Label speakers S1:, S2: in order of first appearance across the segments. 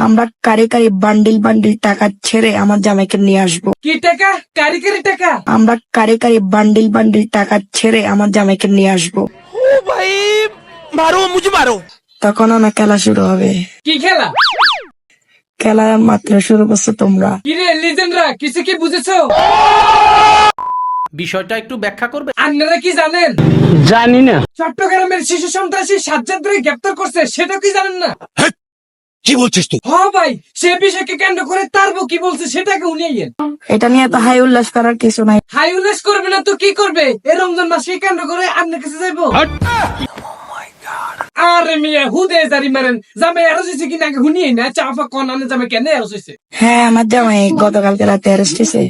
S1: আমরা কারি কারি bundle bundle টাকা ছেড়ে আমার জামাইকে নিয়ে আসবো।
S2: কি টাকা? কারি কারি টাকা?
S1: আমরা কারি কারি বান্ডিল বান্ডিল টাকা ছেড়ে আমার জামাইকে নিয়ে আসবো।
S3: ओ भाई मारो मुझे मारो।
S1: তখন আমার খেলা শুরু হবে।
S2: কি খেলা?
S1: খেলা মাত্র শুরু করছো তোমরা।
S2: কিরে লিজেন্ডরা, কিছু কি বুঝেছো?
S3: বিষয়টা একটু ব্যাখ্যা করবে?
S2: আপনারা কি জানেন?
S4: জানি না।
S2: চট্টগ্রামের শিশু সন্ত্রাসী সাজ্জাদরে গ্রেপ্তার করছে, সেটা কি জানেন না?
S5: কি বলছিস তুই?
S2: হ ভাই, সে বিষয়কে কেন্দ্র করে তার বউ কি বলছে সেটাকে উনিয়েন।
S1: এটা নিয়ে তো হাই উল্লাস করার কিছু নাই।
S2: হাই উল্লাস করবে না তো কি করবে? এই রমজান মাসকে কেন্দ্র করে আপনার কাছে যাইবো। আরে মিয়া হুদে জারি মারেন, জামাই আরো হইছে কিনা আগে হুনিয়ে না, চাফা কোন আনে জামাই কেন আরো হইছে?
S1: হ্যাঁ, আমার জামাই গতকালকে রাতে অ্যারেস্ট হয়েছে।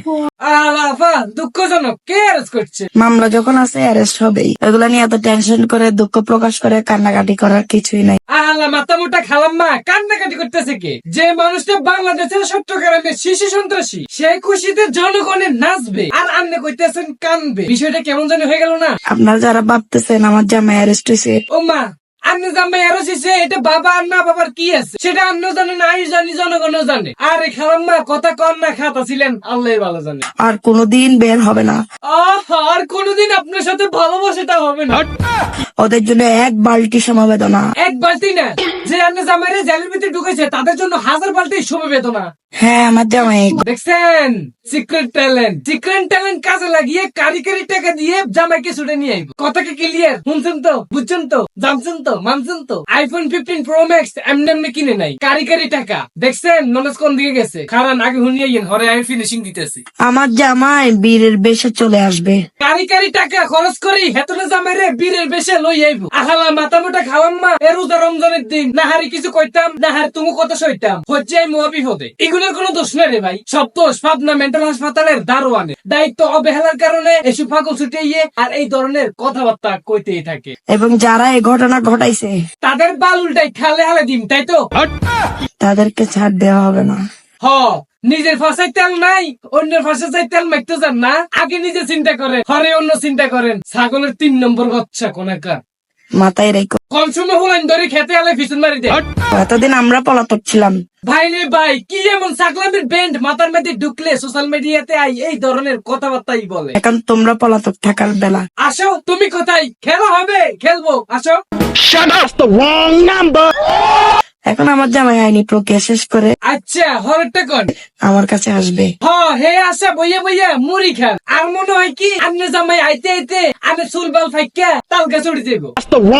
S2: আলাফা দুঃখজনক, কে অ্যারেস্ট করছে?
S1: মামলা যখন আছে অ্যারেস্ট হবেই। এগুলা নিয়ে এত টেনশন করে দুঃখ প্রকাশ করে কান্নাকাটি করার কিছুই নাই।
S2: আলা মাথা মোটা খালাম্মা কান্নাকাটি করতেছে কে? যে মানুষটা বাংলাদেশের চট্টগ্রামের শিশু সন্ত্রাসী, সেই খুশিতে জনগণের নাচবে আর আপনি কইতেছেন কানবে। বিষয়টা কেমন জানি হয়ে গেল না?
S1: আপনারা যারা ভাবতেছেন আমার জামাই অ্যারেস্ট হয়েছে,
S2: ও মা, আপনি জামাই আরো হইছে, এটা বাবা আর না বাবার কি আছে সেটা আপনিও জানেন, আমি জানি, জনগণও জানে। আরে খালাম্মা কথা কন না, খাতা ছিলেন আল্লাহ ভালো জানে।
S1: আর কোনোদিন বের হবে না।
S2: আর কোনোদিন আপনার সাথে ভালোবাসাটা হবে না।
S1: ওদের জন্য এক বালতি সমবেদনা।
S2: এক বালতি না, যে আপনি জামাইরে জেলের ভিতরে ঢুকেছে তাদের জন্য 1000 বালতি সমবেদনা।
S1: হ্যাঁ, আমার জামাই
S2: দেখছেন সিক্রেট ট্যালেন্ট কাজে লাগিয়ে কারিগরি টাকা দিয়ে জামাইকে ছুটে নিয়ে আইব। কথা কি ক্লিয়ার? শুনছেন তো, বুঝছেন তো, জানছেন তো, মানছেন তো? আইফোন 15 প্রো ম্যাক্স এমনি কিনে নাই, কারিগরি টাকা। দেখছেন নলেজ কোন দিকে গেছে? কারণ আগে হুনিয়ে হরে আমি ফিনিশিং দিতেছি।
S1: আমার জামাই বীরের বেশে চলে আসবে।
S2: কারিগরি টাকা খরচ করি হেতনে জামাইরে বীরের বেশে লই আইব। আহালা মাথা মোটা খাওয়াম্মা, এ রোজা রমজানের দিন না হারি কিছু কইতাম, না হারি তুমি কথা সইতাম, হচ্ছে আমি মহাবিপদে। এগুলোর কোনো দোষ নাই রে ভাই, সব দোষ পাবনা মেন্টাল হাসপাতালের দারোয়ানের। দায়িত্ব অবহেলার কারণে এসব পাগল ছুটে গিয়ে আর এই ধরনের কথাবার্তা কইতেই থাকে।
S1: এবং যারা এই ঘটনা ঘটাইছে
S2: তাদের বাল উল্টাই খালে হালে দিম, তাই তো?
S1: তাদেরকে ছাড় দেওয়া হবে না।
S2: হ, নিজের ফাঁসায় তেল নাই, অন্যের ফাঁসায় তেল মারতে যান না, আগে নিজে চিন্তা করেন, হরে অন্য চিন্তা করেন। ছাগলের 3 নম্বর বাচ্চা কোনাকার।
S1: মাথায় রেখো।
S2: কম সময় হলেন ধরে খেতে আলে পিছন মারি দেয়।
S1: এতদিন আমরা পলাতক ছিলাম।
S2: ভাই রে ভাই, কি এমন সাকলামের ব্যান্ড মাথার মধ্যে ঢুকলে সোশ্যাল মিডিয়াতে আই এই ধরনের কথাবার্তাই বলে।
S1: এখন তোমরা পলাতক থাকার বেলা।
S2: আসো, তুমি কোথায়? খেলা হবে, খেলবো, আসো।
S1: এখন আমার জামাই আইনি প্রক্রিয়া শেষ করে
S2: আচ্ছা, হরেরটা কোন?
S1: আমার কাছে আসবে।
S2: হে আসা বইয়া বইয়া মুড়ি খান। আর মনে হয় কি আপনি জামাই আইতে আইতে আমি চুলবাল ফাইকা তালকা চড়ে যাবো।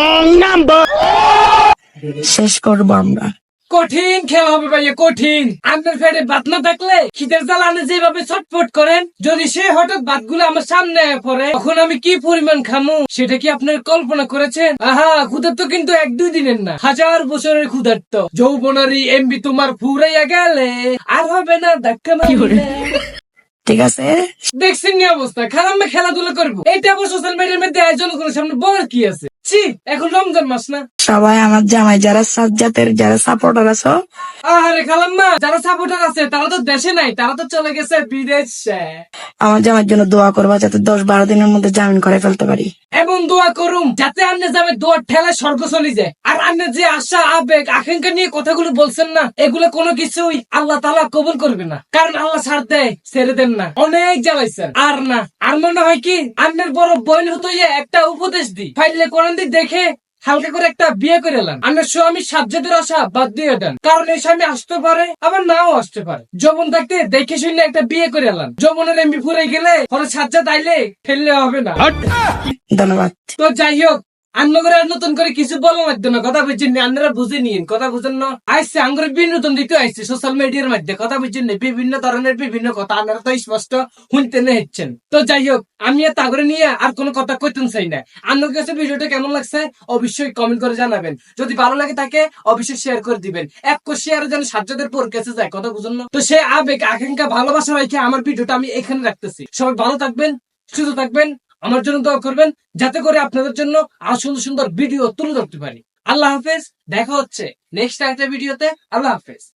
S1: শেষ করবো আমরা।
S2: কঠিন খেলা হবে ভাইয়া, কঠিন। আপনার পেটে ভাত না থাকলে খিদের জ্বালা আপনি যেভাবে ছটফট করেন, যদি সে হঠাৎ ভাতগুলো আমার সামনে পড়ে তখন আমি কি পরিমাণ খামু সেটা কি আপনার কল্পনা করেছেন? আহা, ক্ষুধার্ত কিন্তু 1-2 দিনের না, 1000 বছরের ক্ষুধার্ত। যৌবনারি এমবি তোমার ফুরাইয়া গেলে আর হবে না ধাক্কা মারলে।
S1: ঠিক আছে,
S2: দেখছেন নি অবস্থা? খারাপ খেলাধুলা করবো, এটা আবার সোশ্যাল মিডিয়ার মধ্যে আয়োজন করে সামনে বলার কি আছে? ছি, এখন রমজান মাস না?
S1: সবাই আমার জামাই যারা সাজ্জাতের যারা সাপোর্টার আছো,
S2: আরে খালাম্মা, যারা সাপোর্টার আছে তারা তো দেশে নাই, তারা তো চলে গেছে বিদেশে।
S1: আমার জামাইয়ের জন্য দোয়া করবা যাতে 10-12 দিনের মধ্যে জামিন করে ফেলতে পারি।
S2: এমন দোয়া করুম যাতে আপনি যাবে দোয়ার ঠেলায় স্বর্গ চলে যায়। আর আপনি যে আশা আবেগ আকাঙ্ক্ষা নিয়ে কথাগুলো বলছেন না, এগুলো কোনো কিছুই আল্লাহ তাআলা কবুল করবে না। কারণ আল্লাহ ছাড় দেয়, ছেড়ে দেন না। অনেক জ্বালাইছেন আর না। আর মনে হয় কি আপনার বড় বোন হতো একটা উপদেশ দিই, ফাইলে কোরআন দিয়ে দেখে হালকা করে একটা বিয়ে করে এলাম। আপনার স্বামী সাজ্জাদের আশা বাদ দিয়ে দেন, কারণ এই স্বামী আসতে পারে আবার নাও আসতে পারে। যৌবন থাকতে দেখে শুনে একটা বিয়ে করে এলাম। যৌবনের এমবি ফুরাই গেলে পরে সাজ্জাদ আইলে ফেললে হবে না।
S1: ধন্যবাদ।
S2: তো যাই হোক, আন্নগরে আর নতুন করে কিছু বলার মাধ্যমে কথা বুঝছেন, আপনারা বুঝে নিন, কথা বুঝেন না। আইসে আঙ্গুরে বিনোদন দিতে আইসে সোশ্যাল মিডিয়ার মধ্যে, কথা বুঝছেন বিভিন্ন ধরনের বিভিন্ন কথা আপনারা তো স্পষ্ট শুনতে নেচ্ছেন। তো যাই হোক, আমি আর তাগরে নিয়ে আর কোনো কথা কইতেন চাই না। আপনার কাছে ভিডিওটা কেমন লাগছে অবশ্যই কমেন্ট করে জানাবেন। যদি ভালো লাগে থাকে অবশ্যই শেয়ার করে দিবেন। এক শেয়ার যেন সাজ্জাদের পর কাছে যায়, কথা বুঝুন না। তো সে আবেগ আকাঙ্ক্ষা ভালোবাসা রেখে আমার ভিডিওটা আমি এখানে রাখতেছি। সবাই ভালো থাকবেন, সুস্থ থাকবেন, আমার জন্য দোয়া করবেন যাতে করে আপনাদের জন্য আরো সুন্দর সুন্দর ভিডিও তুলে ধরতে পারি। আল্লাহ হাফেজ, দেখা হচ্ছে নেক্সট একটা ভিডিওতে। আল্লাহ হাফেজ।